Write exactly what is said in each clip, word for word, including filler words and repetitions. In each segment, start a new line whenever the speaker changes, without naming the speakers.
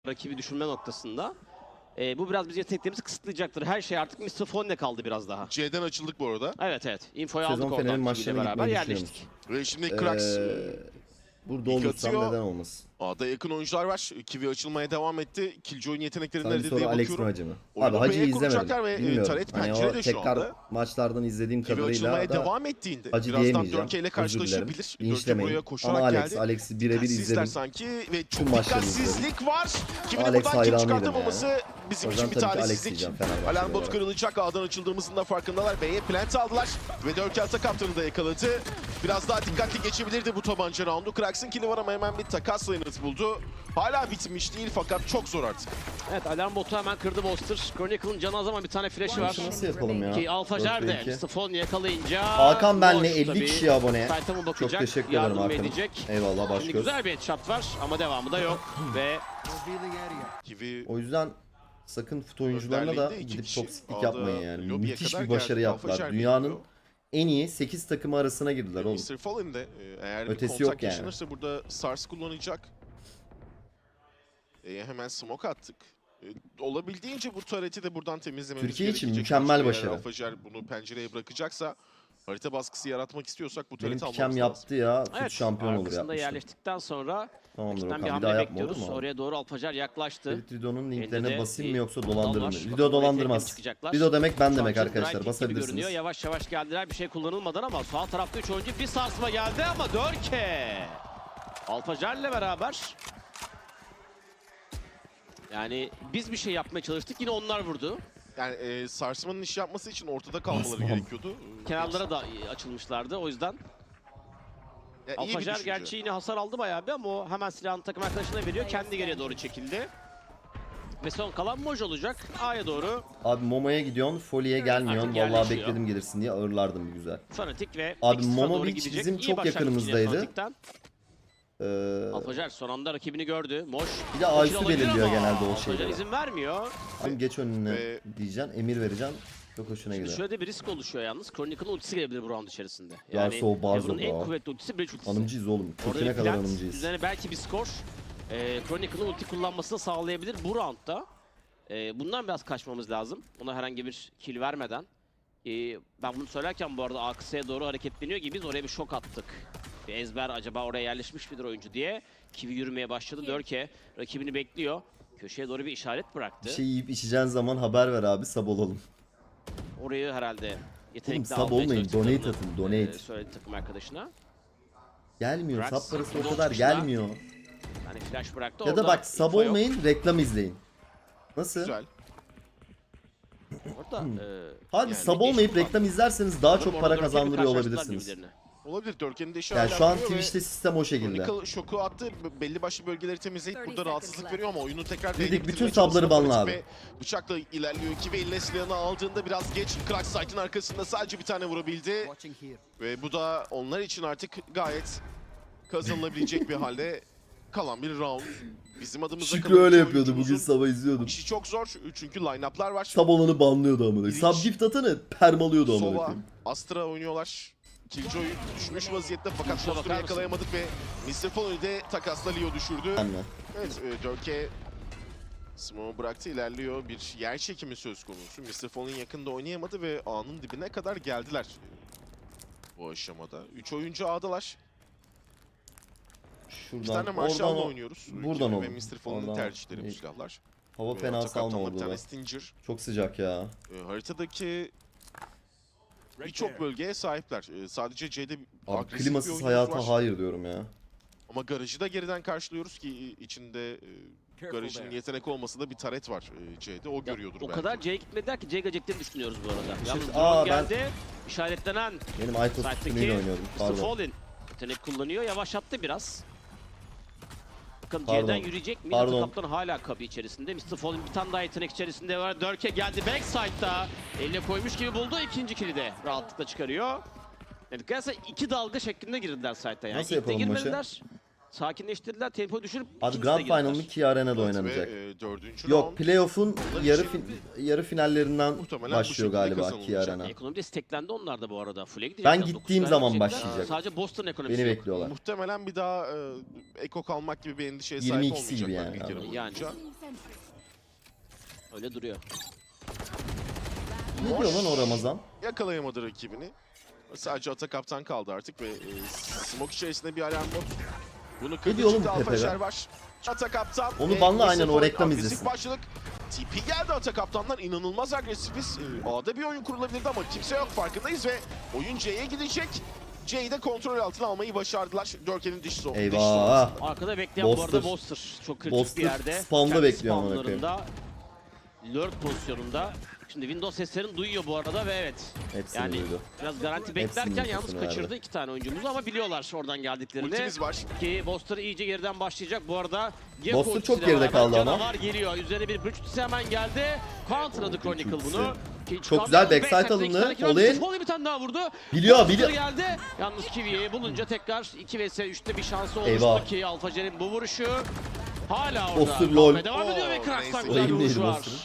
rakibi düşürme noktasında. E, bu biraz bizim yeteneklerimizi kısıtlayacaktır. Her şey artık mister Fon'le kaldı biraz daha.
C'den açıldık bu arada.
Evet evet. Infoyu
Sezon
aldık oradan.
Fener'in
Kiwi'yle
maçlarına
beraber
gitmeyi
yerleştik.
Ve şimdi Krax
Ee, burada
ilk
olursam
atıyor.
neden olmasın?
A'da yakın oyuncular var. Kiwi açılmaya devam etti. Killjoy'un yetenekleri
Sanki
nerede
sonra
diye
Alex mi
bakıyorum.
Hacı mı?
Oyunu
Abi Hacı'yı
B'ye
izlemedim.
kuracaklar ve, e,
Bilmiyorum.
Taret
Hani
pencerede
o
şu
tekrar
anda.
maçlardan izlediğim
Kiwi
kadarıyla
açılmaya
da
devam ettiğinde
Hacı
birazdan
diyemeyeceğim.
Dörke ile
Özür
karşılaşabilir.
dilerim.
Dörke
Linçlemeyin.
buraya koşarak
Ama Alex,
geldi.
Alex'i birebir
Dikkatsizler
izledim.
sanki ve çok
Tüm maçları
dikkatsizlik var. Kiwi'nin
Alex
buradan kill
hayranıydım
çıkartamaması
ya.
bizim
O
için
yüzden
bir
tabii ki Alex
talihsizlik.
diyeceğim Fenerbahçe
Alarm bot
olarak.
kırılacak. A'dan açıldığımızın da farkındalar. B'ye plant aldılar ve Dörke ata kaptanı da yakaladı. Biraz daha dikkatli geçebilirdi bu tabanca roundu. Krax'ın kill'i var ama hemen bir takas lanet buldu. Hala bitmiş değil fakat çok zor artık.
Evet, alarm botu hemen kırdı Boster. Chronicle'ın canı az ama bir tane flash'ı var.
Maçı nasıl yapalım ya?
Ki Alfajer
dört ve
de
iki.
mister Fon yakalayınca...
Hakan benle
boş
elli
tabii.
kişi abone.
Site'a mı
Çok
bakacak,
teşekkür ederim
yardım mı
Hakan'ım.
edecek?
Eyvallah, baş
Şimdi
göz.
güzel bir headshot var ama devamı da yok ve
Kiwi
O yüzden sakın fut oyuncularına da
Önderliğinde iki
gidip
kişi
toksiklik
A'da
yapmayın yani.
lobiye
Müthiş
kadar
bir başarı
geldi.
yaptılar.
Alfajer
Dünyanın
bekliyor.
en iyi sekiz takımı arasına girdiler oğlum.
mister Fallen de e, eğer
Ötesi
bir
yok
kontak
yani.
yaşanırsa burada SARS kullanacak. E, hemen smoke attık. E, olabildiğince bu turret'i de buradan temizlememiz
Türkiye için
gerekecek.
mükemmel
Başka bir
başarı.
yer Alfajer bunu pencereye bırakacaksa harita baskısı yaratmak istiyorsak bu
Benim
turret'i almamız
pikem
lazım.
yaptı ya. Fut
evet,
şampiyon olur
arkasında
yapmıştım.
yerleştikten sonra
Tamamdır
rakipten bir
Okan. Bir
hamle
daha yapma olur
bekliyoruz.
mu?
Oraya doğru Alfajer yaklaştı.
Ferit Rido'nun
Elinde
linklerine
de
basayım
bir
mı yoksa
dal
dolandırır
var.
mı?
Bakalım
Rido
oraya
dolandırmaz.
tekrar çıkacaklar.
Rido demek ben
Şu
demek
an
arkadaşlar.
Drive Kick gibi görünüyor.
Basabilirsiniz.
Yavaş yavaş geldiler bir şey kullanılmadan ama sağ tarafta üç oyuncu bir sarsma geldi ama Dörke Alfajer'le beraber yani biz bir şey yapmaya çalıştık yine onlar vurdu.
Yani e, sarsmanın iş yapması için ortada kalmaları
Basmam.
gerekiyordu. E,
Kenarlara da açılmışlardı o yüzden.
ya, iyi bir
Alfajer
düşünce.
gerçi yine hasar aldı bayağı bir ama o hemen silahını takım arkadaşına veriyor. Kendi geriye doğru çekildi. Ve son kalan Moj olacak. A'ya doğru
Abi Momo'ya gidiyorsun, Foley'e gelmiyorsun.
Artık
Vallahi
yerleşiyor.
bekledim gelirsin diye ağırlardım bir güzel.
Fanatik ve
Abi
Extra
Momo
doğru
Beach
gidecek.
bizim
İyi
çok
başlangıç yine
yakınımızdaydı.
Fanatik'ten.
Ee,
Alfajer son anda rakibini gördü. Moj.
Bir de Aysu
olabilir
belirliyor
ama
genelde o
Alfajer
şeyleri.
izin vermiyor.
Abi geç önüne
Ve-
diyeceksin, emir vereceksin. Çok hoşuna
Şimdi
gider.
şöyle de bir risk oluşuyor yalnız. Chronicle'ın ultisi gelebilir bu round içerisinde.
Yarsa o Barzo
Evrun'un en
bro.
kuvvetli ultisi Breach ultisi.
Hanımcıyız oğlum.
Orada
Köküne
bir
kadar
plant,
hanımcıyız.
üzerine belki bir skor. E, Chronicle'ın ulti kullanmasını sağlayabilir bu roundda. E, bundan biraz kaçmamız lazım. Ona herhangi bir kill vermeden. E, ben bunu söylerken bu arada A kısaya doğru hareketleniyor gibi biz oraya bir şok attık. Bir ezber acaba oraya yerleşmiş midir oyuncu diye. Kiwi yürümeye başladı. Dörke rakibini bekliyor. Köşeye doğru bir işaret bıraktı.
Bir şey yiyip içeceğin zaman haber ver abi, sab olalım.
Orayı herhalde yetenekli
sub
almaya
olmayın,
çalıştıklarını,
donate atın, donate.
e, söyledi takım arkadaşına.
Gelmiyor,
Drax,
sab parası o
Bulldog
kadar
çıkışlar.
gelmiyor.
Yani flash bıraktı.
Ya da
Orada
bak sab
info yok.
olmayın, reklam izleyin. Nasıl?
Güzel.
Orada, e,
Hadi
yani
sab
geç
olmayıp
kullandı.
reklam izlerseniz daha
Orada
çok
orada
para
Dörke'yle
kazandırıyor
karşılaştılar
olabilirsiniz.
birbirlerini.
Olabilir. Dörke'nin de işi
Yani
hala
şu an
duruyor ve
Twitch'te sistem o şekilde.
Chronicle şoku attı. B- Belli başlı bölgeleri temizleyip burada rahatsızlık veriyor ama oyunu tekrar
Dedik,
değdirmeye
bütün
çalışıyor
sabları banla
Fanatik
abi.
ve bıçakla ilerliyor. İki ve eline silahını aldığında biraz geç. Krax site'ın arkasında sadece bir tane vurabildi. Ve bu da onlar için artık gayet kazanılabilecek bir halde kalan bir round. Bizim adımıza
Şükrü
kalan
öyle
iki
yapıyordu, bugün
oyuncumuzun
sabah izliyordum.
İşi çok zor çünkü line-up'lar var.
Sab olanı banlıyordu amına.
İlginç.
Sab gift atanı permalıyordu amına
Sova,
koyayım.
Astra oynuyorlar. Killjoy düşmüş vaziyette fakat
Şuna
Foster'ı
bakar mısın?
yakalayamadık ve mister Foley'i de takasla Leo düşürdü.
Anla.
Evet, e, Dörke Smoke'u bıraktı, ilerliyor. Bir yer çekimi söz konusu. mister Fallen yakında oynayamadı ve A'nın dibine kadar geldiler e, bu aşamada. Üç oyuncu A'dalar. İki tane
Şuradan,
Marshall'la
oradan,
oynuyoruz.
buradan
Kiwi ve
olur.
mister Fallen'ın
Oradan
tercihleri bu
iyi.
silahlar.
hava
Ve
fena
ata
salma
kaptanla bir
oldu
tane
lan.
Stinger.
Çok sıcak ya.
E, haritadaki birçok bölgeye sahipler. E, sadece C'de
Abi
agresif bir
klimasız
oyunumuz
hayata
var.
hayır diyorum ya.
Ama garajı da geriden karşılıyoruz ki içinde e, garajın yetenek olmasa da bir taret var e, C'de. O görüyordur
O
belki.
kadar C'ye gitmediler ki C geleceklerini düşünüyoruz bu arada. Yalnız
Şimdi-
drone
aa, ben-
geldi. İşaretlenen
Benim Aytos
site'daki
üstünlüğüyle oynuyordum.
mister
Pardon.
Fallen yetenek kullanıyor. Yavaşlattı biraz. Bakın
Pardon.
C'den yürüyecek mi?
Pardon.
Ata kaptan hala kapı içerisinde. mister Fallen bir tane daha yetenek içerisinde var. Dörke geldi backside'da. Eline koymuş gibi buldu. İkinci kill'i de rahatlıkla çıkarıyor. Yani gerçekten iki dalga şeklinde girdiler site'a. Yani
Nasıl
ilk de
yapalım maçı?
girmediler. Sakinleştirdiler, tempo düşürüp
Abi
ikincisine
Grand
girdiler.
Final'ın Kia Arena'da
Evet,
oynanacak.
Ve, e, dördüncü
Yok,
round
playoff'un
Onlar
yarı
için
fin yarı finallerinden
muhtemelen bu
başlıyor
şekilde
galiba
kazanılacak.
Kia Arena.
Ekonomi de steklendi onlar da bu arada. Full'e gidecekler.
Ben
dokuz
gittiğim
kaya
zaman
gidecekler.
başlayacak.
Sadece Boston ekonomisi
Beni
yok.
bekliyorlar.
muhtemelen bir daha e, eko kalmak gibi bir endişeye
yirmi
sahip
ikisi gibi
olmayacaklar
yani,
ilk yarı
anladım.
Yani
boyunca.
Öyle duruyor.
Ne diyor lan o Ramazan?
Yakalayamadı rakibini. Sadece ata kaptan kaldı artık ve e, smoke içerisinde bir alarm bot. Bunu kırdı
diyor oğlum
çıktı
bu Pepe
Alfaşer
be?
var. Ata kaptan.
Onu
ve
banla aynen, o
Yusuf'un
reklam
agresif
izlesin.
Başladık. T P geldi ata kaptanlar, inanılmaz agresifiz. E, A'da bir oyun kurulabilirdi ama kimse yok, farkındayız ve oyun C'ye gidecek. C'yi de kontrol altına almayı başardılar. Dörke'nin diş son.
Eyvah.
Arkada bekleyen bu
Boster.
arada Boster. Çok kritik
Boster
bir yerde.
spawn'da
Kendi
bekliyor amına koyayım.
spawnlarında, lurk pozisyonunda. Şimdi Windows seslerini duyuyor bu arada ve evet.
Hepsini
Yani
duydu.
biraz garanti
Hepsinin
beklerken yalnız
infosunu
kaçırdı
verdi.
iki tane oyuncumuzu ama biliyorlar oradan geldiklerini.
Ultimiz var.
Ki Boster iyice geriden başlayacak. Bu arada
Boster çok geride kaldı ama.
Canavar geliyor. Üzerine bir bridge ultisi hemen geldi. Counter'ladı Chronicle bunu. Ki
Çok güzel backside
backside
alındı.
iki tane
Olin.
Volley bir tane daha vurdu.
Biliyor,
Boster
biliyor.
geldi. Yalnız Kiwi'yi bulunca tekrar iki vs üçte bir şansı oluştu
Eyvah.
ki Alfajer'in bu vuruşu hala orada.
Boster lol.
Devam ediyor ve
Oo,
Krax'tan
neyse.
güzel bir
Oyun
vuruş
değil
var.
Boster'ın.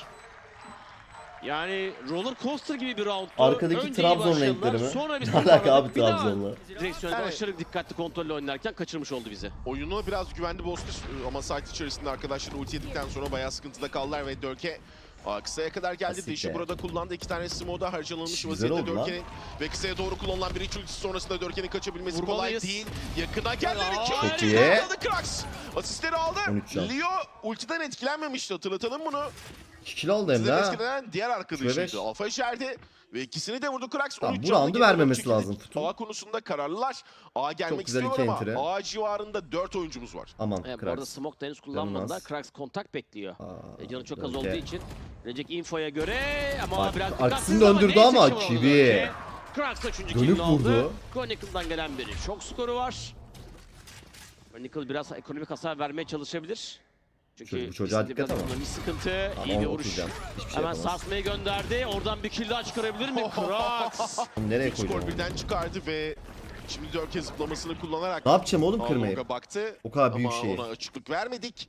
Yani roller coaster gibi bir roundtu.
Arkadaki
Önce iyi
Trabzon
başladılar,
renkleri mi?
sonra bir
Ne alaka
toparladık.
abi
Bir daha
Trabzon'la?
Direksiyonda
Yani-
aşırı dikkatli kontrolle oynarken kaçırmış oldu bizi.
Oyunu biraz güvendi Boster ama site içerisinde arkadaşlar ulti yedikten sonra bayağı sıkıntıda kaldılar ve Dörke Aa, kısaya kadar geldi.
Asiktir.
Dişi burada kullandı. İki tane smoke'da harcanılmış
Güzel
vaziyette
oldu lan.
Dörke'nin ve kısaya doğru kullanılan bir iç ultisi sonrasında Dörke'nin kaçabilmesi
Vurmalıyız.
kolay değil. Yakına geldi.
Aa,
İki
çok
ulti
iyi.
yakaladı Krax. Asistleri aldı.
on üç can.
Leo ultiden etkilenmemişti, hatırlatalım bunu.
iki kilo oldu hem de
Sizden
ha.
etkilenen diğer
beş.
arkadaşıydı. Alfa içeride ve ikisini de vurdu Krax.
Tamam,
on üç
bu
canlı
roundu
geri
vermemesi
çekildik.
lazım Futu.
A konusunda kararlılar. A gelmek
güzel
istiyorlar
iki
ama
entry.
A civarında dört oyuncumuz var.
Aman
Evet, bu arada
Krax.
smoke da henüz kullanmadılar.
Canımaz.
Krax kontak bekliyor.
Aa,
E, canı çok az
Dörke.
olduğu için. Recek infoya göre ama
Bak,
biraz
arkasını
dikkatsiz
döndürdü
neyse
ama
ki vuramadı
Kiwi.
Dörke. Krax da üçüncü
Dönüp
killini aldı.
vurdu.
Chronicle'dan gelen bir şok skoru var. Chronicle biraz ekonomik hasar vermeye çalışabilir. Çünkü
Çocuk- bu çocuğa
ikisinde
dikkat
biraz
ama.
ekonomik sıkıntı,
Ama
iyi bir
onu
vuruş.
oturacağım. Hiçbir şey
Hemen
yapamaz.
sarsmayı gönderdi. Oradan bir kill daha çıkarabilir mi? Krax.
Nereye
Üç
koyacağım
skor
onu?
birden çıkardı ve şimdi Dörke zıplamasını kullanarak
Ne yapacağım oğlum kırmayı?
Along'a baktı.
O kadar büyük
ama
şey.
ona açıklık vermedik.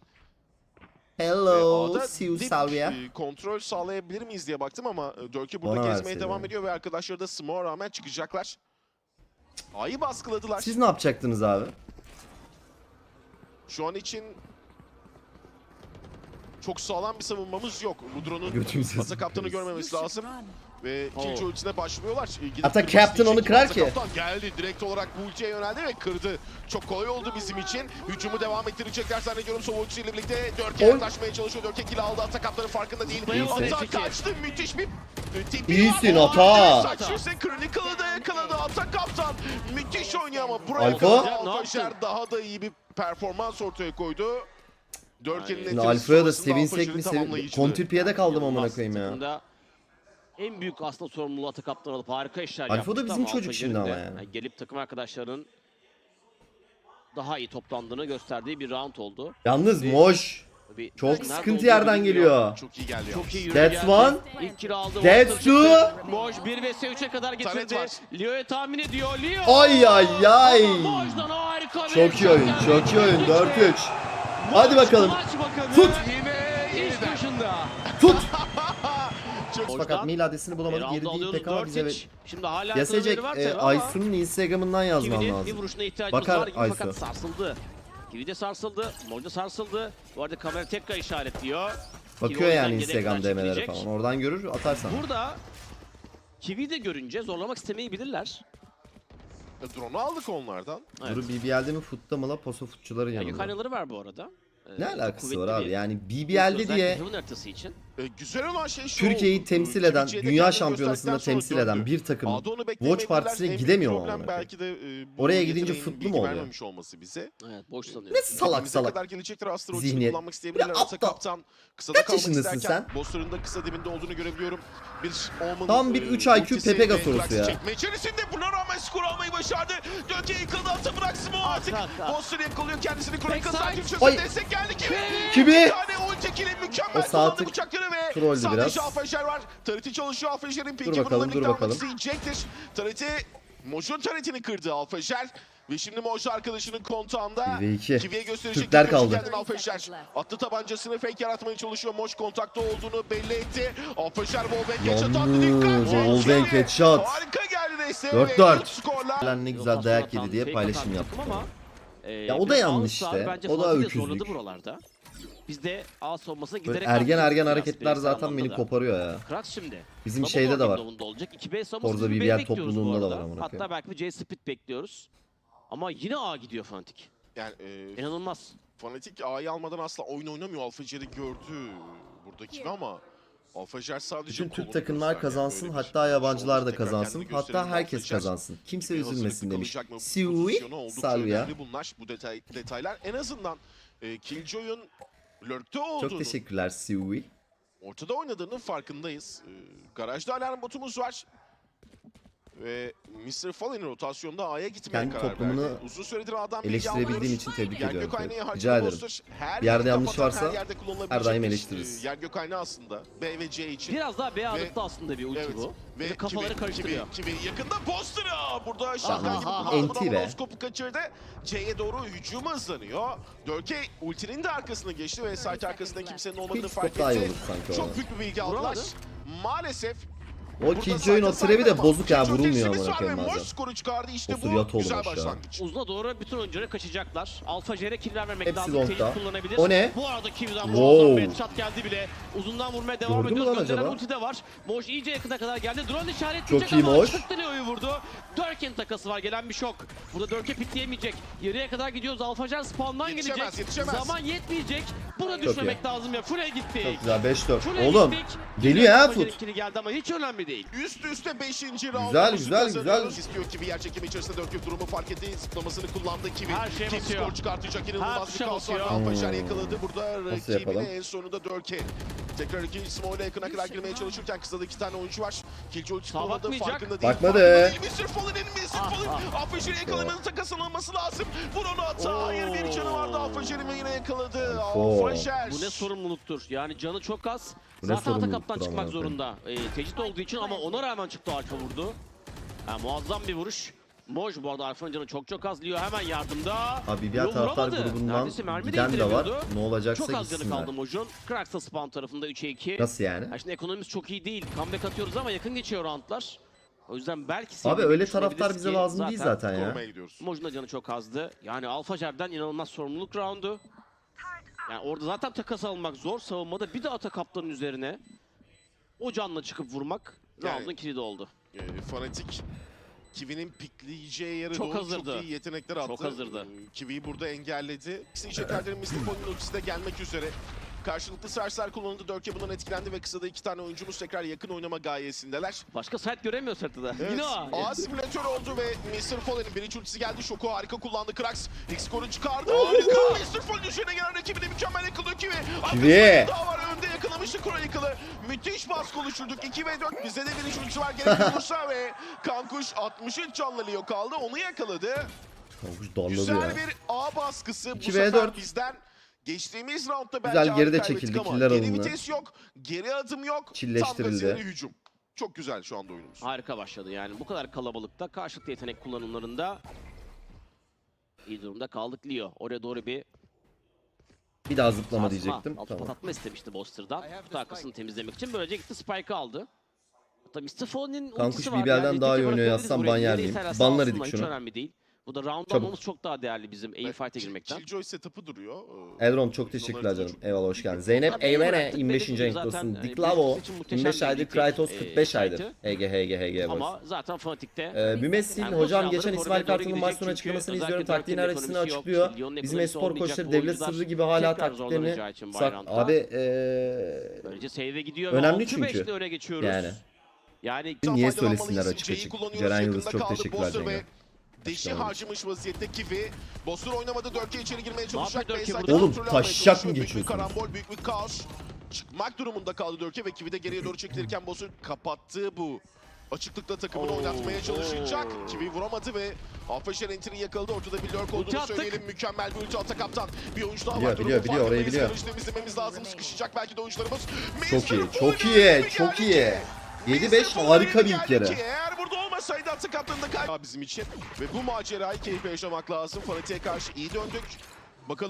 Hello,
A'da
see you
bir,
Salvia.
e, kontrol sağlayabilir miyiz diye baktım ama Dörke burada
Bana
gezmeye
verseydin
devam
yani.
ediyor ve arkadaşları da smoke'a rağmen çıkacaklar. A'yı baskıladılar.
Siz ne yapacaktınız abi?
Şu an için çok sağlam bir savunmamız yok. Mudro'nun
Götümüzü
Ata Kaptan'ı görmemesi lazım. Ve ikinci
Oo.
ultisine başlıyorlar. Ee, gidip
Ata
kırmasını
Captain onu
isteyecek.
kırar
Ata
ki.
Kaptan geldi. Direkt olarak bu ultiye yöneldi ve kırdı. Çok kolay oldu bizim için. Hücumu devam ettirecekler zannediyorum. Sova ultisiyle birlikte Dörke
Oy.
yaklaşmaya çalışıyor. Dörke kill aldı. Ata Kaptan'ın farkında değil.
İyisin.
Ata kaçtı. Müthiş bir tipi
İyisin
var.
Ata.
Saçıyorsa Chronicle'ı da yakaladı. Ata Kaptan müthiş oynuyor ama buraya
Alfa.
kadar
Ne
Alfajer
yaptın?
daha da iyi bir performans ortaya koydu. Dörke'nin
Yani-
Şimdi
etkisi
Alfa'ya da
sonrasında
sevinsek
Alfajer'in
mi sevin...
tamamlayıcılığı.
Kontrpiyede kaldım amına
Yılmaz
koyayım ya.
takımda en büyük aslında sorumluluğu Ata Kaptan alıp harika işler
Alfa da
yapmıştı
bizim
ama
çocuk
Alfa
şimdi
Jerry'nin
ama
de,
yani.
Gelip takım arkadaşlarının daha iyi toplandığını gösterdiği bir round oldu.
Yalnız
Bir-
Moş.
Tabii
Çok
nerede
sıkıntı
olduğu
yerden
bilinmiyor.
geliyor.
Çok iyi geldi
Çok
yalnız.
iyi yürü
That's
geldi.
one.
İlk kill aldı.
That's
Walter çıktı.
two.
Moj bir vs üçe kadar getirdi.
Taret var.
Leo'ya tahmin ediyor. Leo.
Ay ay ay.
Ama Moj'dan harika bir
Çok iyi oyun,
şut
çok iyi
geldi.
oyun. dört üç. Hadi
Moj
bakalım.
maç bakanı
Tut.
Ve iş başında.
Tut.
Moj'dan
Fakat mail adresini bulamadık.
round'u
Geri değil
alıyoruz
pek ama
dört
bize...
üç. Şimdi hala
Yasecek
kılıları var
e,
tabii ama
Aysun'un Instagram'ından yazman
Kiwi'nin bir
lazım.
vuruşuna ihtiyacımız
Bakar
var gibi
Aysu.
fakat sarsıldı. Kiwi de sarsıldı, Moj da sarsıldı. Bu arada kamera tekrar işaretliyor. Kiwi
Bakıyor
o
yani
yüzden
Instagram
yedekten
D M'lere
çekilecek.
falan. Oradan görür atarsan.
Burada Kiwi de görünce zorlamak istemeyebilirler.
Drone'u aldık onlardan.
Evet.
Duru B B L'de mi futta mı la poso futçuların
Yani
yanında.
yukarıları var bu arada. Ee,
Ne
çok
alakası
kuvvetli
var abi?
bir-
Yani B B L'de
özellikle
diye
Heaven haritası için.
Ee, güzel olan şey şu
Türkiye'yi
oldu.
temsil
Ee,
eden,
Türkiye'de
dünya
kendini
şampiyonasında
gösterdikten sonra
temsil eden
döndü.
bir takımın
A'da onu
Watch
beklemediler.
Partisi'ne
En büyük
gidemiyor mu
problem
amına
belki de e, bu
Oraya gidince
yeteneğin
futlu mu
bilgi
oluyor?
vermemiş olması bize.
Evet, boş sanıyorum.
Ne salak
Elimize
salak.
kadar gelecektir. Astra
Zihniyet.
ultisini kullanmak isteyebilirler.
Ya
Ata
aptal.
Kaptan kısada
Kaç
kalmak
yaşındasın
isterken
sen?
Boster'ın da kısa dibinde olduğunu görebiliyorum. Bir Omen
Tam bir
e,
üç I Q
ultisi
Pepe
ve
Gasorusu
Krax'ı
ya.
çekme içerisinde buna rağmen skor almayı başardı. Dörke yıkıldı, Ata bıraksın o artık.
Ata, ata.
Boster yakalıyor kendisini. Chronicle
Backside.
sakin
Ay.
çözüm destek geldi. Kimi?
Kimi?
Bir tane ulti kili mükemmel
O sağ
kullandı
tık
bıçakları ve
trolldü
sadece
biraz.
Alfajer var. Tareti çalışıyor. Alfajer'in peki
bakalım,
bununla
dur
birlikte almak
bakalım.
isteyecektir. Tareti Moj'un taretini kırdı Alfajer. Ve şimdi Moj arkadaşının kontağında.
bir ve iki.
Kiwi'ye gösterecek.
Türkler
bir köşe
kaldı.
kendini Alfajer. Attı tabancasını fake yaratmaya çalışıyor. Moj kontakta olduğunu belli etti. Alfajer wallbang headshot attı.
Yalnız
Dikkat.
o wallbang
Kiwi
headshot.
Harika geldi desteğe.
Dört
ve
dört.
üç skorla.
Lan ne güzel dayak yedi diye paylaşım yaptı.
Ama, e,
Ya o da
biraz
yanlış
All-Star
işte.
bence
O da
fazla bir
öküzlük.
zorladı buralarda. Biz de A savunmasına
Böyle
giderek
ergen
artacağız
ergen
biraz
hareketler
bireysel
zaten
anlamda
beni
da.
koparıyor ya.
Krax şimdi.
Bizim
Double
şeyde de var.
window'unda olacak. iki B savunması
Forza
biz
B B
B
L
bekliyoruz bu
topluluğunda da var
arada.
amına
Hatta
koyayım.
belki bir C split bekliyoruz. Ama yine A gidiyor Fnatic.
Yani e,
İnanılmaz.
Fnatic A'yı almadan asla oyun oynamıyor. Alfajer'i gördü buradakini ama Alfajer sadece
Bütün
kolunu
Türk takımlar
gösterdi.
kazansın,
Böyle bir
hatta yabancılar
şovunu
da
tekrar
kazansın,
kendini
hatta
gösterelim.
herkes
Alfajer
kazansın. Kimse
bir
üzülmesin
hazırlıklı
demiş.
kalacak mı? Bu
Siui
pozisyonu oldukça
Salvia.
önemli bunlar, bu detay, detaylar. En azından e, Killjoy'un lurk'te olduğunu,
Çok teşekkürler Siui.
ortada oynadığının farkındayız. E, garajda alarm botumuz var. Ve mister Fallen'in rotasyonda A'ya gitmeye
Kendi
karar
toplumunu
verdi. Uzun süredir A'dan bilgi
Eleştirebildiğim
almıyoruz.
için tebrik
Yer
ediyorum.
gök aynağı harcadı
Rica ederim.
Boster. Her
Bir yerde
yeri
yanlış
kapatan,
varsa
her yerde kullanılabilecek
her daim
bir,
eleştiririz.
e, Yer gök aynağı aslında. B ve C için.
Biraz daha B ağırlıklı aslında bir ulti
Evet.
bu.
Ve
Ve kafaları
Kiwi,
karıştırıyor.
Kiwi, Kiwi yakında Boster'a. Burada şaka gibi
aha,
kullandı.
enti be.
Monoskopu kaçırdı. C'ye doğru hücum hızlanıyor. Dörke ultinin de arkasına geçti ve site arkasında kimsenin olmadığını
Quick
fark
stop daha iyi
etti.
olur sanki
Çok
orada.
büyük bir bilgi aldılar.
Vuramadı.
Maalesef
O
burada
Killjoy'un o
site'e
trebi de
sahip
bozuk ya,
Killjoy
vurulmuyor
tepsimiz
amına
var
koyayım
ve
bazen.
Moş skoru çıkardı. İşte
Osur
bu
yat olmuş
güzel
ya.
başlangıç.
Uzuna doğru bütün oyuncuları kaçacaklar. Alfa Jer'e kill vermemek
Hepsi
lazım.
long'da.
Tecrit kullanabilir.
O ne?
Bu arada Kiwi'den
Wow.
muazzam bir headshot geldi bile. Uzundan vurmaya devam
Gördün mü
ediyor.
lan
Gönderen
acaba?
ulti de var. Moş iyice yakına kadar geldi. Drone işaretleyecek
Çok iyi
ama
Moş.
çıktı Leo'yu vurdu. Dörk'in takası var. Gelen bir şok. Burada Dörk'e pikleyemeyecek. Yarıya kadar gidiyoruz. Alfa Jer spawn'dan
Yetişemez,
gelecek.
yetişemez.
Zaman yetmeyecek. Buna
Çok
düşmemek
iyi.
lazım ya. Full'e gittik.
Çok güzel beş dört.
Full'e
Oğlum
gittik.
geliyor ha
Alfa
Foot.
Jer'in kill'i geldi ama hiç önemli değil.
Üst üste beşinci
Güzel,
roundumuzu
güzel,
kazanıyoruz.
güzel.
İstiyor ki bir yer çekimi içerisinde dört durumu fark etti. Zıplamasını kullandı Kiwi.
Her şeye
Kiwi
basıyor.
skor çıkartacak.
Her
İnanılmaz bir
tuşa
kaos var.
basıyor.
Alfajer
Hmm.
yakaladı. Burada
Nasıl yapalım?
rakibine en sonunda Dörke. Tekrar ikinci smoke'la yakına kadar girmeye çalışırken kısada iki tane oyuncu var. Killjoy
Sağa
çıkmadı.
bakmayacak.
Farkında değil.
Bakmadı.
Farkında değil. mister Fallen'in mister
Ah,
Fallen.
ah.
Alfajer'i yakalamanın takaslanması lazım. Vur onu ata. Hayır bir canı vardı. Alfajer'i ve yine yakaladı.
Alfo.
Bu
Alfajer.
ne sorumluluktur. Yani canı çok az.
Bu ne
Zaten
sorumluluktur
Atakap'tan çıkmak
amına koyayım.
zorunda. E, tecrit olduğu için ama ona rağmen çıktı Alfa vurdu. Yani muazzam bir vuruş. Moj bu arada Alfa'nın canı çok çok az. Leo hemen yardımda.
Abi diğer
Leo
taraftar
vuramadı.
grubundan
Neredeyse mermi
giden de var.
değdiremiyordu.
Ne olacaksa
Çok az canı
gitsinler.
kaldı Moj'un. Krax'a spawn tarafında üçe iki.
Nasıl yani?
Ya şimdi ekonomimiz çok iyi değil. Comeback atıyoruz ama yakın geçiyor roundlar. O yüzden belki
Abi
sevdiğini
öyle
düşünebiliriz
taraftar bize
ki
lazım değil zaten ya.
Korumaya gidiyoruz.
Moj'un da canı çok azdı. Yani Alfa Jer'den inanılmaz sorumluluk roundu. Yani orada zaten takas almak zor. Savunmada bir de Atakap'ların üzerine o canla çıkıp vurmak
Yani-
round'un kilidi oldu.
E, Fanatik Kiwi'nin pikleyeceği yere
Çok
doğru
hazırdı.
çok iyi yetenekler attı.
Çok hazırdı.
E, Kiwi'yi burada engelledi. Seyircilerin mister Fallen'in ultisi de gelmek üzere. Karşılıklı sersler kullanıldı. Dörke bundan etkilendi ve kısada iki tane oyuncumuz tekrar yakın oynama gayesindeler.
Başka site göremiyoruz haritada.
Evet,
Yine o.
A simülatör oldu ve mister Fallen'in birinci ultisi geldi. Şoku harika kullandı. Krax ilk skoru çıkardı. Harika. mister Fallen üzerine gelen rakibine mükemmel yakalıyor Kiwi.
Kiwi.
Daha var önde yakalamıştı Chronicle'ı. Müthiş baskı oluşturduk. iki ve dört. Bizde de birinci ultisi var. Gerek olursa ve Kankuş altmış üç canlı Leo kaldı. Onu yakaladı.
Kankuş darladı
Güzel
ya.
bir A baskısı. Bu
iki ve
sefer
dört.
bizden geçtiğimiz roundda belki
Güzel,
ağır
geride
kaybettik
çekildi,
ama
killer
geri
alındı.
vites yok, geri adım yok. Tam
Çilleştirildi.
gazıyla hücum. Çok güzel şu anda oyunumuz.
Harika başladı yani. Bu kadar kalabalıkta karşılıklı yetenek kullanımlarında iyi durumda kaldık Leo. Oraya doğru bir
Bir daha zıplama
sarsma,
diyecektim.
altı
Tamam.
patlatma istemişti Boster'dan. Kutu arkasını temizlemek için. Böylece gitti Spike'ı aldı. Hatta mister Fallen'in
Kankuş
ultisi var.
B B L'den
Yani
daha iyi
teke
oynuyor
bırakabiliriz
yazsam
buraya.
ban yer
Nereye
miyim?
isterlerse
Banlar
alsınlar,
idik
hiç
şunu.
önemli değil. Bu da round
Çabuk.
almamız çok daha değerli bizim aim fight'e girmekten.
Killjoy setup'ı duruyor. Ee,
Elron çok teşekkürler canım. Eyvallah hoş geldin. Zeynep Eymene yirmi beşinci renk olsun. Diklavo yirmi beş aydır. Kraytos kırk beş aydır. H G H G H G boys.
Ama zaten Fanatik'te
Ee, Bümessil
Yani bu
hocam
silahları
geçen
korumaya
İsmail
doğru
Kartal'ın
gidecek
maç sonu
çünkü
açıklamasını
özellikle
izliyorum. Taktiğin
Dörk'ün
haritasını
ekonomisi yok.
açıklıyor.
Lyon'un
Bizim
ekonomisi
espor
olmayacak.
koçları
Bu
devlet
oyuncular
sırrı gibi hala
tekrar
taktiklerini
zorlanacağı için
sak...
Bayrant'ta.
Abi ee...
Böylece save'e gidiyor
Önemli
ve altı
çünkü.
beşle öne geçiyoruz.
Yani.
Yani
Niye
faydalanmalıyız.
söylesinler açık
C'yi
açık.
kullanıyoruz.
Ceren Yıldız
Yakında
çok
kaldı
teşekkürler
Boster ve
Cengiz.
Deşi
Açıklamadım.
harcamış vaziyette Kiwi. Boster oynamadı. Dörke içeri girmeye çalışacak.
yapıyor Dörke
Bayside
burada?
Oğlum,
kontrol almaya
taşacak
çalışıyor.
mı
Büyük bir
geçiyorsunuz?
karambol, büyük bir kaos. Çıkmak durumunda kaldı Dörke ve Kiwi de geriye doğru çekilirken Boster kapattığı bu açıklıkla takımını
Oo,
oynatmaya çalışacak.
oo.
Kiwi vuramadı ve Alfaşer entry yakaladı. Ortada bir lurk
Ulti
olduğunu
attık.
söyleyelim. Mükemmel bir ulti ata kaptan. Bir oyuncu daha
Biliyor,
var.
biliyor,
Durumun
biliyor, orayı
farkındayız.
biliyor.
Yarış temizlememiz lazım. Sıkışacak belki de oyuncularımız.
Çok iyi,
mister
çok
Fallen
iyi,
gibi
çok
geldi
iyi.
ki.
yedi beş harika bir ilk yarı.
Eğer burada olmasaydı atı kaptanında kay bizim için ve bu macerayı keyifle yaşamak lazım. Fanatik'e karşı iyi döndük. Bakalım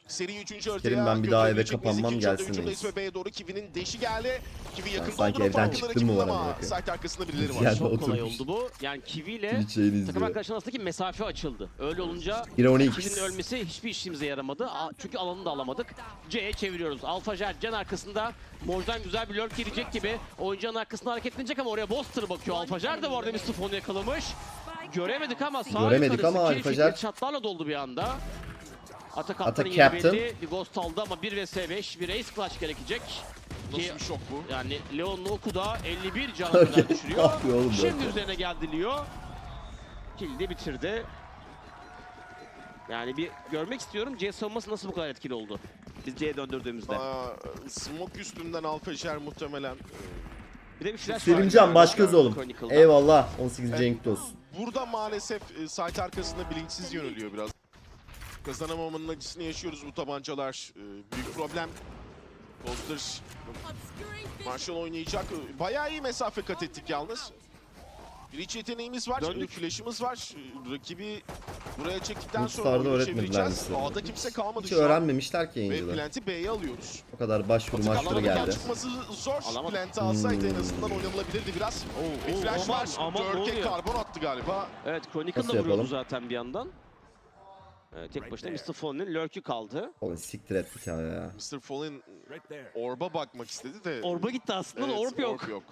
Seri üçüncü haritaya
Kerim, ben bir daha eve
gönderecek miyiz?
kapanmam,
İkinci
gelsin
haritaya hücumdayız
reis.
ve B'ye doğru Kiwi'nin deşi geldi. Kiwi yakın
sanki
olduğunu
evden
farkında
çıktım mı
rakibin
var
ama
amına
site arkasında birileri var.
Gel.
Çok kolay
oturmuş.
oldu bu. Yani Kiwi ile
Twitch yayını
takım
izliyor.
arkadaşlar arasındaki mesafe açıldı. Öyle olunca
bir on iki.
Kiwi'nin ölmesi hiçbir işimize yaramadı. A- Çünkü alanı da alamadık. C'ye çeviriyoruz. Alpha Jet Can arkasında. Moj'dan güzel bir lurk gelecek gibi. Oyuncunun arkasında hareketlenecek ama oraya Boster bakıyor. Alpha Jet de bu arada Mister Fon'u yakalamış. Göremedik ama sağ
Göremedik
yukarısı
ama
kill
Alpha
fikri
Jet-
çatlarla doldu bir anda. Atak
Atak
Kaptan'ın yeri
Captain.
belli. Bir Ghost aldı ama bir vs beş bir Ace Clutch gerekecek. Ki
Nasıl bir şok bu?
yani Leon'un oku da elli bir canı kadar düşürüyor.
Ne yapıyor oğlum
Şimdi
böyle?
üzerine geldi Leo. Kill'i de bitirdi. Yani bir görmek istiyorum C savunması nasıl bu kadar etkili oldu. Biz C'ye döndürdüğümüzde.
Aa, smoke üstünden Alpha Jer muhtemelen.
Bir de bir flash var.
Selimcan başkası oğlum.
Chronicle'da.
Eyvallah. on sekiz Cenk olsun.
Burada maalesef e, site arkasında bilinçsiz yöneliyor biraz. Kazanamamanın acısını yaşıyoruz bu tabancalar. E, büyük problem. Boster Marshall oynayacak. E, Bayağı iyi mesafe kat ettik yalnız. Bir iç yeteneğimiz var,
Döndük.
e, flash'ımız var. E, Rakibi buraya çektikten sonra
Mutstar'da
oyunu
öğretmediler
çevireceğiz.
bize.
A'da kimse kalmadı
Hiç
şu an.
öğrenmemişler ki
Ve
yayıncılar.
Plant'i B'ye alıyoruz.
O kadar başvuru
Atak
maçları
alamadık,
geldi.
çıkması zor.
Alamadık.
Plant'i alsaydı en
Hmm.
azından oynanılabilirdi biraz.
Oo,
Bir
oo,
flash
aman,
var.
aman, ne
Dörke
oluyor?
karbon attı galiba.
Evet Chronicle
Nasıl
da vuruyordu
yapalım?
zaten bir yandan. Evet, tek başına Mister Fon'un lurk'ü kaldı.
Oğlum siktir et hikaye ya.
mister Fallen Orb'a bakmak istedi de.
Orba gitti aslında da
Evet,
orb yok.
Orb yok.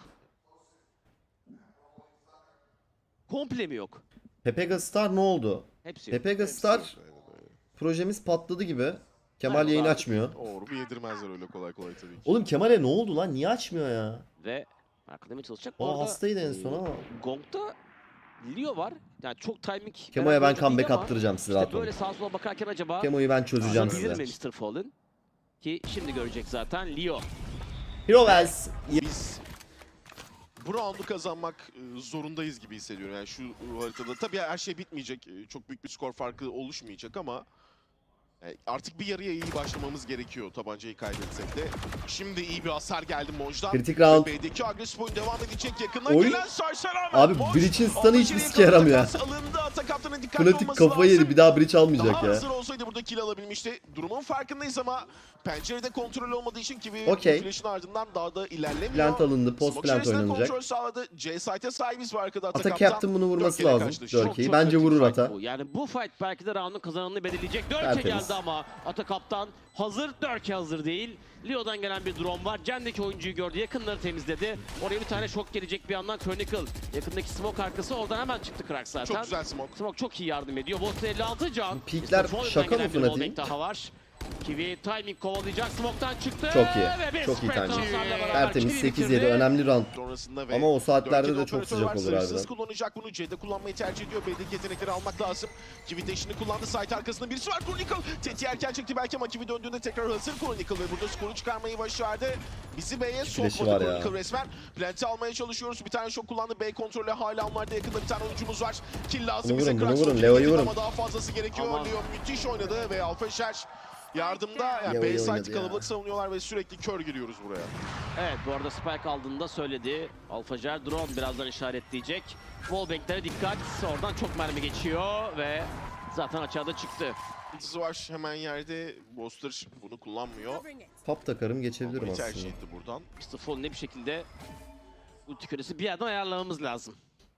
Komple mi yok?
Pepega Star ne oldu?
Hepsi yok.
Pepega Star projemiz patladı gibi. Kemal
Merhaba
yayını
abi.
açmıyor.
Orb'u yedirmezler öyle kolay kolay tabii ki.
Oğlum Kemal'e ne oldu lan? Niye açmıyor ya?
Ve arkadan çalışacak. Bu
O
arada,
hastaydı en
e,
son ama.
Gong'da Leo var. Yani çok timing.
Kemo'ya
veren
ben
oyuncu değil
comeback
ama
attıracağım size
işte
rahat olun.
böyle sağa sola bakarken acaba
Kemo'yu ben çözeceğim
alabilir mi
size.
Mister Fallen? Ki şimdi görecek zaten Leo.
Hero Wells.
Biz bu roundu kazanmak e, zorundayız gibi hissediyorum. Yani şu haritada tabii her şey bitmeyecek. E, Çok büyük bir skor farkı oluşmayacak ama e, artık bir yarıya iyi başlamamız gerekiyor tabancayı kaybetsek de. Şimdi iyi bir hasar geldi Moj'dan.
Kritik round.
B'deki agresif oyun devam edecek. Yakından
Oy.
gelen Sarsar Ahmet.
Abi
Moj,
Breach'in stun'ı
aldı
hiçbir
içeriye
sike yaramıyor.
takas alındı. Atak kaptanın dikkatli
Fnatic
olması
kafayı
lazım.
yedi. Bir daha Breach
Daha
almayacak ya.
hazır olsaydı burada kill alabilmişti. Durumun farkındayız ama pencerede kontrol olmadığı için gibi
Okey.
flash'ın ardından daha da ilerlemiyor.
Plant alındı. Post
Smoke
plant
içerisinden
oynanacak.
kontrol sağladı. C site'e sahibiz var arkada Atak
Ata
Kaptan.
Captain bunu vurması
Dörkeyle
lazım.
karşılaşıyor.
Dörkeyi.
Çok
Bence
kritik
vurur
fight
Ata.
bu. Yani bu fight belki de round'un kazananını belirleyecek. Dörke
Tertemiz.
geldi ama Ata Kaptan hazır. Dörke hazır değil. Leo'dan gelen bir drone var. Cen'deki oyuncuyu gördü. Yakınları temizledi. Oraya bir tane şok gelecek bir yandan Chronicle. Yakındaki smoke arkası. Oradan hemen çıktı Krak zaten.
Çok güzel smoke.
Smoke çok iyi yardım ediyor. Boston elli altı can.
Peakler
Mister Fallen'dan
şaka mı
gelen bir
Fnatic'in?
wallbang daha var. Kiwi timing kovalayacak. Smoke'tan çıktı.
Çok iyi.
Ve bir
Çok iyi
spread
timing.
transferle beraber
Tertemiz
Kiwi
sekiz
bitirdi.
yedi. Önemli round.
Sonrasında ve
Ama o saatlerde
Dörke'de
de çok
operatör
sıcak
var.
olur
Sınırsız
harbiden.
kullanacak bunu. C'de kullanmayı tercih ediyor. B'deki yetenekleri almak lazım. Kiwi dash'ini kullandı. Site arkasında birisi var. Chronicle. Teti erken çekti belki ama Kiwi döndüğünde tekrar hazır Chronicle ve burada skoru çıkarmayı başardı. Bizi B'ye
Flash'ı
sokmadı
var ya.
Chronicle resmen. Plant'i almaya çalışıyoruz. Bir tane şok kullandı. B kontrolü hala onlarda yakında bir tane oyuncumuz var. Kill lazım
Bunu
bize.
vurun, bunu
Krax
vurun.
ulti
Leo'yu
getirdi
vurun.
Ama daha fazlası gerekiyor.
Aman.
Leo müthiş oynadı ve Alpha Şer yardımda. Yani
Leo'yu
B site
oynadı ya.
kalabalık savunuyorlar ve sürekli kör giriyoruz buraya.
Evet bu arada Spike aldığında söyledi. Alpha Jet drone birazdan işaretleyecek. Wallbang'lere dikkat. Oradan çok mermi geçiyor ve zaten açığa da çıktı.
Ultisi var hemen yerde. Boster bunu kullanmıyor.
Top takarım geçebilirim
Almayı tercih
aslında.
etti buradan.
Mister Fallen'e bir şekilde ulti küresi bir yerden ayarlamamız lazım.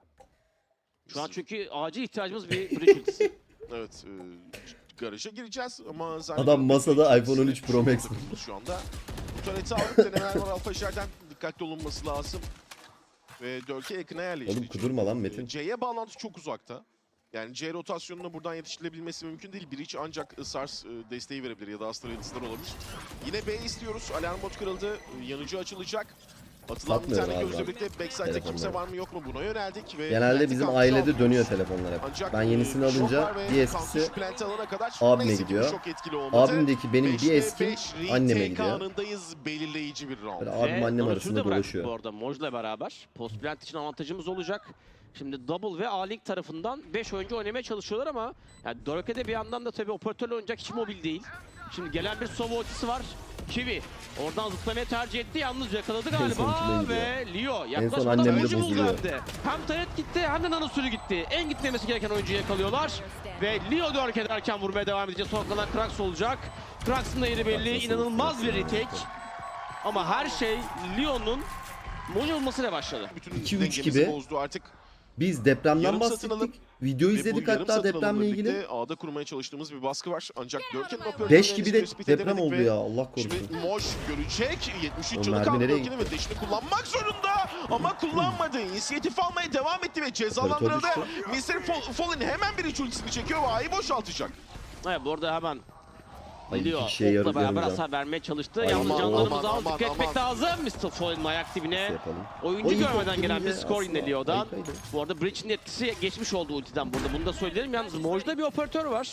Şu an çünkü acil ihtiyacımız bir bridge ultisi.
Evet, e, garaja gireceğiz ama
Adam masada iPhone on üç Pro Max.
şu anda. Bu turret'i aldık, denemeler var Alpha Şer'den. Dikkatli olunması lazım. Ve Dörke yakına yerleşti.
Oğlum kudurma lan Metin.
C'ye bağlantı çok uzakta. Yani C rotasyonuna buradan yetiştirilebilmesi mümkün değil. Breach ancak Sars e, desteği verebilir ya da Astra yıldızlar olabilir. Yine B istiyoruz. Alarm bot kırıldı. E, Yanıcı açılacak. Atılan bir
Satmıyorum
tane
abi
gözle
ben.
birlikte backside'de
Telefonları.
kimse var mı yok mu buna yöneldik. Ve
Genelde
Plant'i
bizim
kampüse
ailede
alıyoruz.
dönüyor telefonlar hep.
Ancak
Ben yenisini
e, şok
alınca
var ve
bir
kampüs
eskisi
Plant'i alana kadar
abime
neyse ki
gidiyor.
çok etkili olmadı.
abimdeki benim bir
beşte
eskim
beş
anneme
retake
gidiyor.
anındayız, belirleyici bir round.
Böyle abim
Ve
annem
Donatör'ü
arasında
de bıraktık
dolaşıyor.
Bu arada Moj'la beraber. Post plant için avantajımız olacak. Şimdi Double ve A-Link tarafından beş oyuncu oynamaya çalışıyorlar ama yani Dörke'de bir yandan da tabii operatörle oynayacak hiç mobil değil. Şimdi gelen bir Sova ultisi var. Kiwi oradan zıplamayı tercih etti. Yalnız yakaladı galiba
son
ve Leo
En son
yaklaşmadan
annem de
oyuncu buldu
bozuluyor.
hem de. Hem Taret gitti hem de Nanosürü gitti. En gitmemesi gereken oyuncuyu yakalıyorlar. Ve Leo Dörk ederken vurmaya devam edecek. Son kalan Krax olacak. Krax'ın da yeri belli. İnanılmaz bir retake. Ama her şey Leo'nun Mojo olmasıyla başladı.
Bütün
iki üç
dengemizi
gibi.
bozdu artık.
Biz depremden
Yarım satın alıp
bahsettik. Video
Ve bu
izledik
yarım
hatta
satın alımla
depremle ilgili.
birlikte A'da kurmaya çalıştığımız bir baskı var. Ancak Dörken'in operatörlerini
beş gibi de
tespit
deprem
edemedik
oldu
ve
ya, Allah korusun.
Şimdi Moş görecek. yetmiş üç
O
canı
mermi
kaldı
nereye
Dörken'in ve deşini kullanmak zorunda. Ama kullanmadı. İnisiyatif almaya devam etti ve cezalandırıldı.
Operatör
mister Fall- Fallen hemen bir üç ultisini çekiyor ve A'yı boşaltacak.
Evet, bu arada hemen
Ay,
Leo
iki kişiye yarı
okla beraber
görmeyeceğim.
hasar vermeye çalıştı.
Ay,
Yalnız
aman,
canlarımızı
aman,
az
aman,
dikkat etmek
aman.
lazım. mister Fallen'ın ayak dibine.
Şey yapalım.
Oyuncu
O ilk
görmeden
ok
gelen bir
gelince
skor yine
aslında
Leo'dan.
harikaydı.
Bu arada Breach'in etkisi geçmiş oldu ultiden burada. Bunu da söyleyelim. Yalnız Moj'da bir operatör var.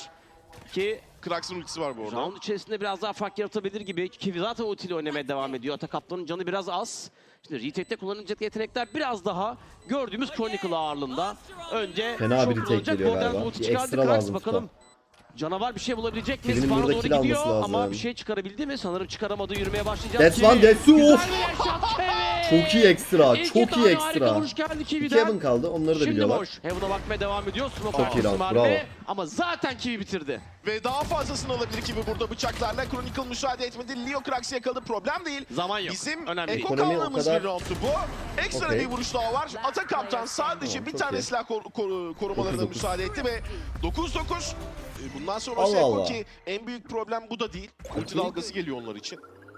Ki
Krax'ın ultisi var bu arada.
round içerisinde biraz daha fark yaratabilir gibi. Ki zaten ultiyle oynamaya devam ediyor. Atak Kaplan'ın canı biraz az. Şimdi retake'te kullanılacak yetenekler biraz daha gördüğümüz Chronicle ağırlığında. Önce
Fena bir
şok
retake
kullanacak.
geliyor
Borderlands
galiba.
ulti
Bir
çıkardı.
ekstra
Krax
lazım
bakalım.
tuta.
Canavar bir şey bulabilecek mi?
Birinin
Spawn'a
burada
doğru
kill alması
gidiyor
lazım.
ama bir şey çıkarabildi mi? Sanırım çıkaramadı. Yürümeye başlayacağız.
That's
Kiwi.
one, that's two.
Güzel
Of.
bir headshot Kiwi.
Çok iyi ekstra,
İki
çok iyi
tane harika
ekstra.
vuruş geldi
İki
Kiwi'den.
Heaven kaldı, onları da
Şimdi
biliyorlar.
boş. Heaven'a bakmaya devam ediyor. Smoke
Çok iyi
arkası
round,
mermi.
bravo.
Ama zaten Kiwi bitirdi.
Ve daha fazlasını alabilir gibi burada bıçaklarla. Chronicle müsaade etmedi. Leo Krax'ı yakaladı. Problem değil.
Zaman yok.
Bizim
Önemli değil.
eko
Ekonomi o
kaldığımız
kadar-
bir roundtu bu. Ekstra
Okey.
bir vuruş daha var. Ata Kaptan sadece
Tamam,
bir
çok
tane
iyi.
silah kor- kor- korumalarına
dokuz dokuz.
müsaade etti ve dokuz dokuz. E, Bundan sonra
Allah
Eko
Allah.
ki en büyük problem bu da değil. Ulti dalgası geliyor onlar için.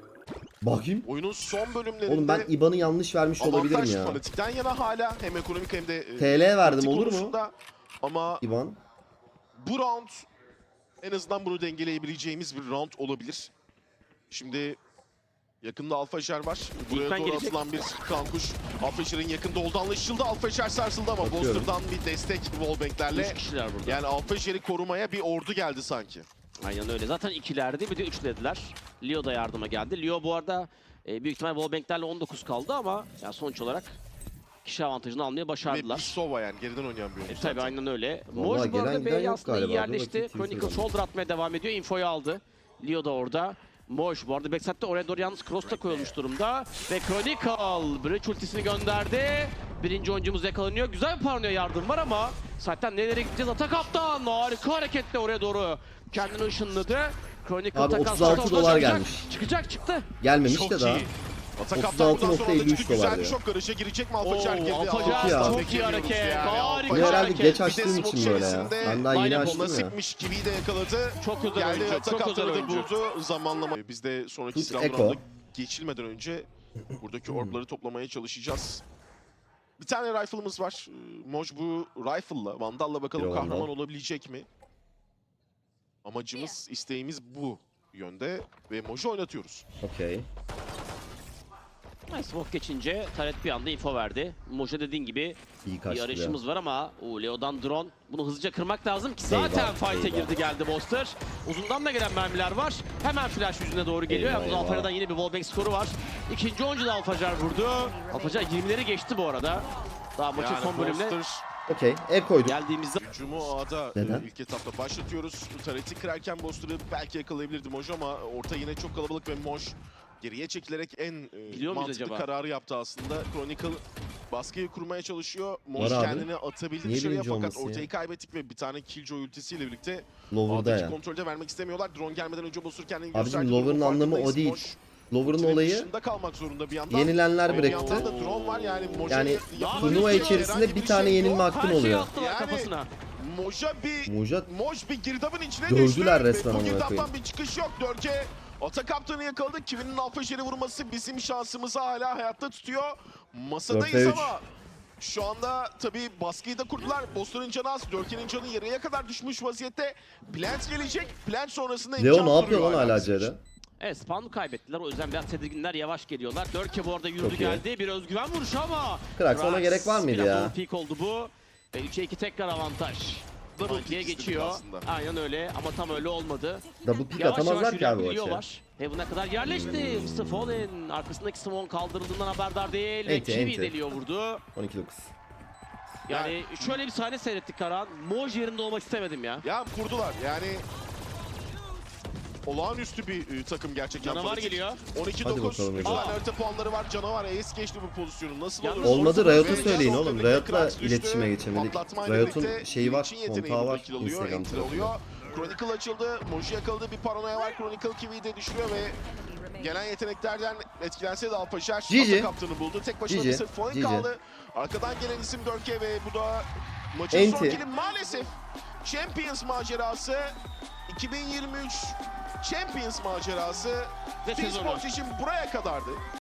Bakayım.
Oyunun son bölümlerinde
Oğlum ben I B A N'ı yanlış vermiş olabilirim
avantaj
ya.
fanatikten yana hala hem ekonomik hem de e,
T L verdim,
taktik
olur mu?
konusunda. Ama
I B A N.
bu round en azından bunu dengeleyebileceğimiz bir round olabilir. Şimdi yakında Alfajer var. Buraya
ben
doğru
gelecek.
atılan bir kankuş. Alfajer'in yakında olduğu anlaşıldı. Alfajer sarsıldı ama
Bakıyorum.
Boster'dan bir destek wallbang'lerle.
Üç kişiler burada.
Yani Alfajer'i korumaya bir ordu geldi sanki.
Aynen öyle. Zaten ikilerdi, bir de üçlediler. Leo da yardıma geldi. Leo bu arada e, büyük ihtimal wallbang'lerle on dokuz kaldı ama ya sonuç olarak kişi avantajını almaya
Ve
başardılar.
bir Sova yani geriden oynayan bir oyuncu
E, tabii
zaten.
aynen öyle.
Vallahi
Moj bu
gelen
arada
giden
B'ye
yok
aslında iyi
galiba. Dur
yerleşti.
bakayım, kimse
Chronicle
yok.
shoulder atmaya devam ediyor. Infoyu aldı. Leo da orada. Moj bu arada backside'de oraya doğru yalnız cross da koyulmuş durumda. Ve Chronicle Breach ultisini gönderdi. Birinci oyuncumuz yakalanıyor. Güzel bir paranoya yardım var ama zaten nereye gideceğiz? Ata Kaptan harika hareketle oraya doğru kendini ışınladı. Chronicle
Abi
takas
otuz altı
çıktı,
dolar
çıkacak.
gelmiş.
Çıkacak çıktı.
Gelmemiş
Çok
de daha.
iyi. Ata
otuz
Kaptan
altı
bundan
nokta
sonra da
elli üç
güzel
dolar
bir
ya.
şok karışa girecek mi
Oo,
Alfajer girdi?
Alfajer
Çok iyi abi.
çok iyi hareket.
Yani
Harika
Bu
Alfajer
herhalde
hareket.
geç
Bir de
açtığım
smoke
için böyle ya.
içerisinde
Ben daha yeni
aynen
açtım
Koluna
ya.
sıkmış Kiwi'yi de yakaladı.
Çok özel
Geldi
oyuncu.
Ata
Çok özel
Kaptan'ı da
oyuncu.
buldu. Zamanlama. Biz de sonraki
Tut
silah
Eko.
round'a geçilmeden önce buradaki orbları toplamaya çalışacağız. Bir tane rifle'ımız var. Ee, Moj bu rifle'la, Vandal'la bakalım
Bir Vandal.
kahraman olabilecek mi? Amacımız, isteğimiz bu yönde ve Moj'u oynatıyoruz.
Okey.
Ay, smoke geçince Taret bir anda info verdi. Moja dediğin gibi
İyi
bir
kaçtı ya.
arayışımız var ama o Leo'dan drone. Bunu hızlıca kırmak lazım ki zaten
Eyvah,
fight'e
eyvah.
girdi geldi Boster. Uzundan da gelen mermiler var. Hemen flash yüzüne doğru geliyor.
Eyvah,
Yalnız
eyvah.
Alfajer'den yine bir wallbang skoru var. İkinci oyuncu da Alfajer vurdu. Alfajer yirmileri geçti bu arada. Daha maçın
Yani
son bölümüne
Monster
Okey. E koyduk.
geldiğimizde
hücumu A'da
Neden?
e, ilk etapta başlatıyoruz. Taret'i kırarken Boster'ı belki yakalayabilirdi Moj ama orta yine çok kalabalık ve Moj geriye çekilerek en e,
Biliyor muyuz
mantıklı
acaba?
kararı yaptı aslında. Chronicle baskıyı kurmaya çalışıyor. Moj
Var abi.
kendini atabildi
Niye
dışarıya
birinci
fakat
olması ya?
ortayı kaybettik ve bir tane Killjoy ultisiyle birlikte
Lower'da
A'daki
ya.
kontrolü de vermek istemiyorlar. Drone gelmeden önce Boster kendini
Abicim,
gösterdi.
Lower'ın
Durumun
anlamı o
farkındayız.
değil.
Moj
Lower'ın
ultimin
olayı
dışında kalmak zorunda bir yandan.
yenilenler
Ve bir
bıraktı.
yandan da drone var yani Moj'a
Yani
yapılabilecek
turnuva
herhangi
içerisinde bir tane
şey
yenilme
yok.
hakkın
her şeyi
oluyor.
attılar
Yani-
kafasına.
Moj'a bir
Muja
Moj bir girdabın içine
Dövdüler
düştü.
resmen
Ve bu
amına
girdaptan
koyayım.
bir çıkış yok. Dörke Ata Kaptan'ı yakaladı. Kiwi'nin Alfajer'i vurması bizim şansımızı hala hayatta tutuyor. Masadayız
dörtte üç.
ama şu anda tabii baskıyı da kurdular. Boster'ın canı az. Dörke'nin canı yarıya kadar düşmüş vaziyette. Plant gelecek. Plant sonrasında
Leo
imkan
ne yapıyor
duruyor
lan hala
bizim için.
C'de?
Evet, spawn'u kaybettiler. O yüzden biraz tedirginler, yavaş geliyorlar. Dörke bu arada yürüdü
Çok iyi.
geldi. Bir özgüven vuruşu ama
Krax, ona
Krax,
gerek var mıydı
biraz
ya?
overpeak oldu bu. Ve üçe iki tekrar avantaj.
Double
ikiye
pick istedik
geçiyor.
aslında.
Aynen öyle ama tam öyle olmadı.
Double pick
Yavaş yavaş
atamazlar ki abi
yürüyen
o
bir Leo
maçı.
var. Heaven'a kadar yerleşti. mister Fallen arkasındaki Simon kaldırıldığından haberdar değil. Ve
Enti,
Kiwi
enti.
de Leo vurdu.
on iki dokuz.
Yani şöyle bir sahne seyrettik Karahan. Moj yerinde olmak istemedim ya.
Ya kurdular yani. Olağanüstü bir e, takım gerçekten.
Canavar
Fanatik.
geliyor.
on iki
Hadi
dokuz.
bakalım
Güzel
hocam.
harita puanları var. Canavar ace geçti bu pozisyonu. Nasıl
Yalnız
olur?
Olmadı,
Ve
Riot'a
Jazz
söyleyin
Orta
oğlum.
birlikte
Riot'la
Krax düştü.
iletişime geçemedik.
Patlatmayla
Riot'un
birlikte
şeyi var,
Twitch'in yeteneği
kontağı
burada
var
kill alıyor,
Instagram
enter
tarafında.
alıyor. Chronicle açıldı. Moji yakaladı. Bir paranoya var. Chronicle Kiwi'yi de düşürüyor ve gelen yeteneklerden etkilense de Alpaşer
G G.
ata kaptanı buldu. Tek başına
G G.
bir sırf Fallen
G G.
kaldı. Arkadan gelen isim Dörke ve bu da maçın
Enti.
son kili maalesef. Champions macerası iki bin yirmi üç Champions macerası
Ve sezonu.
T-Sports için buraya kadardı.